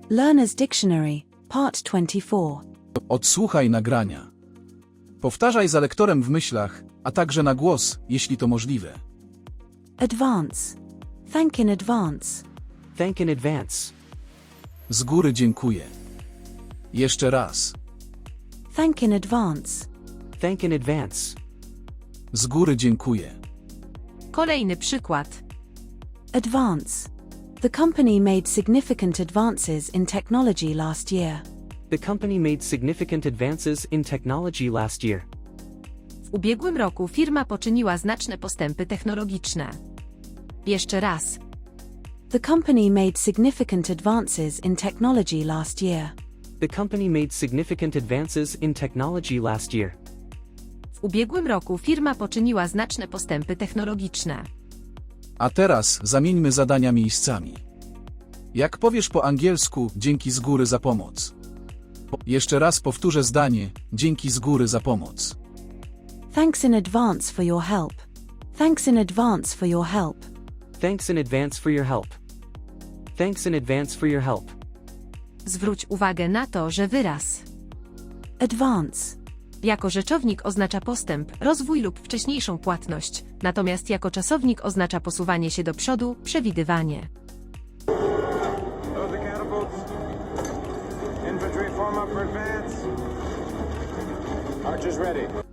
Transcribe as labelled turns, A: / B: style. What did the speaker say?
A: Learner's Dictionary, Part 24.
B: Odsłuchaj nagrania. Powtarzaj za lektorem w myślach, a także na głos, jeśli to możliwe.
A: Advance. Thank in advance.
C: Thank in advance.
B: Z góry dziękuję. Jeszcze raz.
A: Thank in advance.
C: Thank in advance.
B: Z góry dziękuję.
D: Kolejny przykład.
A: Advance. The company made significant advances in technology last year.
C: The company made significant advances in technology last year.
D: W ubiegłym roku firma poczyniła znaczne postępy technologiczne. Jeszcze raz.
A: The company made significant advances in technology last year.
C: The company made significant advances in technology last year.
D: W ubiegłym roku firma poczyniła znaczne postępy technologiczne.
B: A teraz zamieńmy zadania miejscami. Jak powiesz po angielsku, dzięki z góry za pomoc. Jeszcze raz powtórzę zdanie, dzięki z góry za pomoc.
A: Thanks in advance for your help. Thanks in advance for your help.
C: Thanks in advance for your help. Thanks in advance for your help.
D: Zwróć uwagę na to, że wyraz
A: Advance.
D: jako rzeczownik oznacza postęp, rozwój lub wcześniejszą płatność, natomiast jako czasownik oznacza posuwanie się do przodu, przewidywanie.
E: Load the catapults. Infantry form up for advance. Archers ready.